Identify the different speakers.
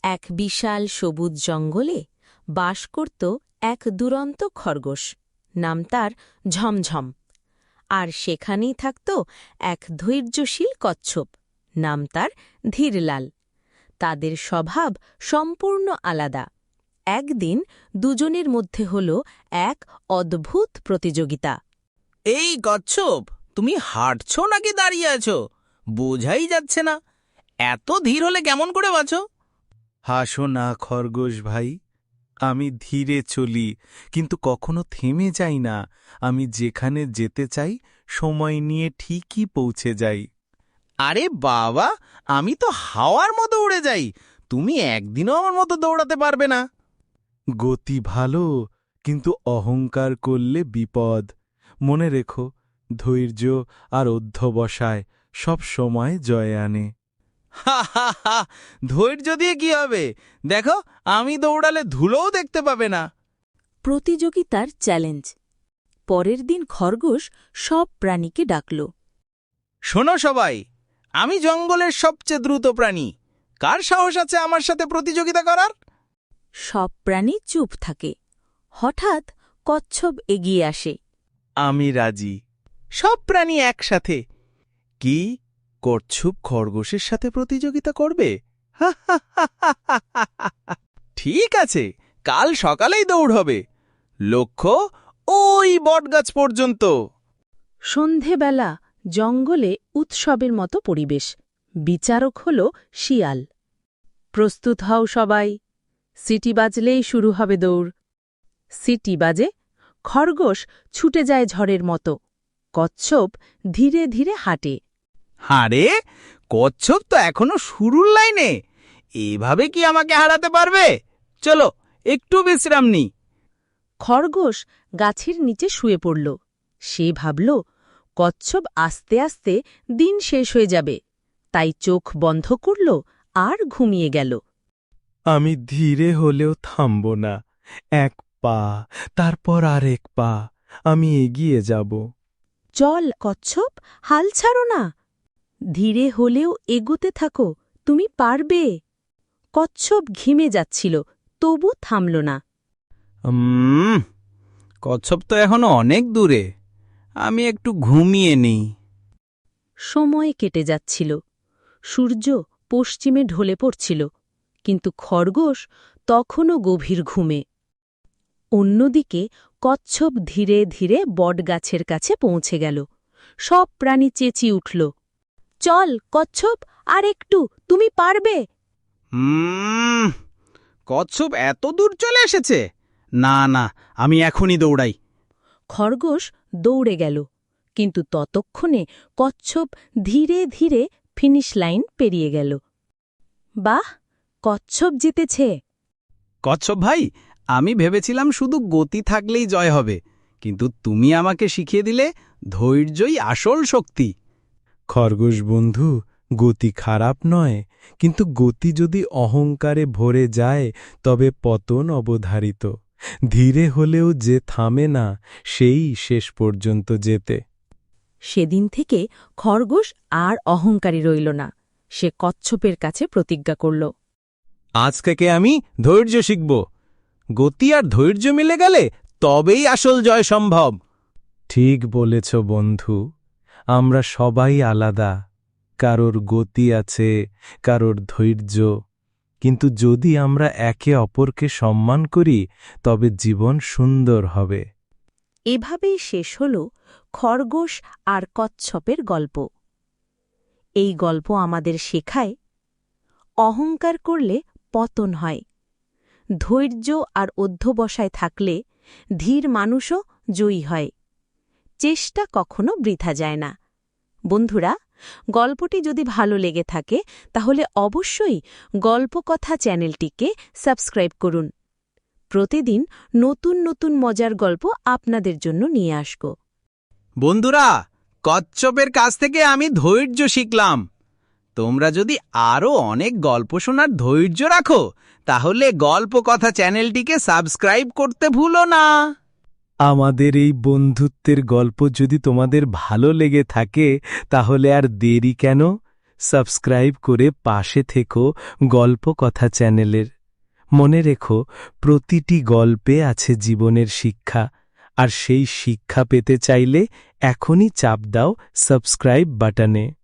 Speaker 1: এক বিশাল সবুজ জঙ্গলে বাস করত এক দুরন্ত খরগোশ, নাম তার ঝমঝম। আর সেখানেই থাকত এক ধৈর্যশীল কচ্ছপ, নাম তার ধীরলাল। তাদের স্বভাব সম্পূর্ণ আলাদা। একদিন দুজনের মধ্যে হল এক অদ্ভুত প্রতিযোগিতা।
Speaker 2: এই কচ্ছপ, তুমি হাঁটছ নাকি দাঁড়িয়ে আছো? বোঝাই যাচ্ছে না। এত ধীর হলে কেমন করে বাঁচো?
Speaker 3: হাসো না খরগোশ ভাই, আমি ধীরে চলি, কিন্তু কখনো থেমে যাই না। আমি যেখানে যেতে চাই সময় নিয়ে ঠিকই পৌঁছে যাই।
Speaker 2: আরে বাবা, আমি তো হাওয়ার মতো উড়ে যাই। তুমি একদিনও আমার মতো দৌড়াতে পারবে না।
Speaker 3: গতি ভালো, কিন্তু অহংকার করলে বিপদ। মনে রেখো, ধৈর্য আর অধ্যবসায় সব সময় জয় আনে।
Speaker 2: হা হা হা, ধৈর্য দিয়ে কি হবে? দেখো, আমি দৌড়ালে ধুলোও দেখতে পাবে না।
Speaker 1: প্রতিযোগিতার চ্যালেঞ্জ। পরের দিন খরগোশ সব প্রাণীকে ডাকল।
Speaker 2: শোনো সবাই, আমি জঙ্গলের সবচেয়ে দ্রুত প্রাণী। কার সাহস আছে আমার সাথে প্রতিযোগিতা করার?
Speaker 1: সব প্রাণী চুপ থাকে। হঠাৎ কচ্ছপ এগিয়ে আসে।
Speaker 3: আমি রাজি।
Speaker 2: সব প্রাণী একসাথে। কি, কচ্ছপ খরগোশের সাথে প্রতিযোগিতা করবে? ঠিক আছে, কাল সকালেই দৌড় হবে। লক্ষ্য ওই বটগাছ পর্যন্ত।
Speaker 1: সন্ধেবেলা জঙ্গলে উৎসবের মতো পরিবেশ। বিচারক হল শিয়াল। প্রস্তুত হও সবাই, সিটি বাজলেই শুরু হবে দৌড়। সিটি বাজে, খরগোশ ছুটে যায় ঝড়ের মতো। কচ্ছপ ধীরে ধীরে হাঁটে।
Speaker 2: আরে, কচ্ছপ তো এখনো শুরুর লাইনে। এভাবে কি আমাকে হারাতে পারবে? চলো, একটু বিশ্রাম নিই।
Speaker 1: খরগোশ গাছের নিচে শুয়ে পড়ল। সে ভাবল, কচ্ছপ আস্তে আস্তে দিন শেষ হয়ে যাবে। তাই চোখ বন্ধ করল আর ঘুমিয়ে গেল।
Speaker 3: আমি ধীরে হলেও থামব না। এক পা, তারপর আরেক পা, আমি এগিয়ে যাব।
Speaker 1: চল কচ্ছপ, হাল ছাড়ো না। ধীরে হলেও এগোতে থাকো, তুমি পারবে। কচ্ছপ ঘিমে যাচ্ছিল, তবু থামল না।
Speaker 2: কচ্ছপ তো এখনো অনেক দূরে। আমি একটু ঘুমিয়ে নিই।
Speaker 1: সময় কেটে যাচ্ছিল। সূর্য পশ্চিমে ঢলে পড়ছিল, কিন্তু খরগোশ তখনও গভীর ঘুমে। অন্যদিকে কচ্ছপ ধীরে ধীরে বটগাছের কাছে পৌঁছে গেল। সব প্রাণী চেঁচিয়ে উঠল, চল কচ্ছপ, আর একটু, তুমি পারবে।
Speaker 2: কচ্ছপ এত দূর চলে এসেছে। না না, আমি এখনই দৌড়াই।
Speaker 1: খরগোশ দৌড়ে গেল, কিন্তু ততক্ষণে কচ্ছপ ধীরে ধীরে ফিনিশ লাইন পেরিয়ে গেল। বাহ, কচ্ছপ জিতেছে।
Speaker 2: কচ্ছপ ভাই, আমি ভেবেছিলাম শুধু গতি থাকলেই জয় হবে, কিন্তু তুমি আমাকে শিখিয়ে দিলে ধৈর্যই আসল শক্তি।
Speaker 3: খরগোশ বন্ধু, গতি খারাপ নয়, কিন্তু গতি যদি অহংকারে ভরে যায় তবে পতন অবধারিত। ধীরে হলেও যে থামে না, সেই শেষ পর্যন্ত যেতে।
Speaker 1: সেদিন থেকে খরগোশ আর অহংকারী রইল না। সে কচ্ছপের কাছে প্রতিজ্ঞা করল,
Speaker 2: আজ থেকে আমি ধৈর্য শিখব। গতি আর ধৈর্য মিলে গেলে তবেই আসল জয় সম্ভব।
Speaker 3: ঠিক বলেছ বন্ধু, আমরা সবাই আলাদা। কারোর গতি আছে, কারোর ধৈর্য, কিন্তু যদি আমরা একে অপরকে সম্মান করি তবে জীবন সুন্দর হবে।
Speaker 1: এভাবেই শেষ হল খরগোশ আর কচ্ছপের গল্প। এই গল্প আমাদের শেখায়, অহংকার করলে পতন হয়। ধৈর্য আর অধ্যবসায় থাকলে ধীর মানুষও জয়ী হয়। চেষ্টা কখনো বৃথা যায় না। বন্ধুরা, গল্পটি যদি ভালো লেগে থাকে তাহলে অবশ্যই গল্পকথা চ্যানেলটিকে সাবস্ক্রাইব করুন। প্রতিদিন নতুন নতুন মজার গল্প আপনাদের জন্য নিয়ে আসব।
Speaker 2: বন্ধুরা, কচ্ছপের কাছ থেকে আমি ধৈর্য শিখলাম। তোমরা যদি আরও অনেক গল্প শোনার ধৈর্য রাখো, তাহলে গল্পকথা চ্যানেলটিকে সাবস্ক্রাইব করতে ভুলো না।
Speaker 3: আমাদের এই বন্ধুত্বের গল্প যদি তোমাদের ভালো লেগে থাকে তাহলে আর দেরি কেন? সাবস্ক্রাইব করে পাশে থেকো গল্প কথা চ্যানেলের। মনে রেখো, প্রতিটি গল্পে আছে জীবনের শিক্ষা, আর সেই শিক্ষা পেতে চাইলে এখনই চাপ দাও সাবস্ক্রাইব বাটনে।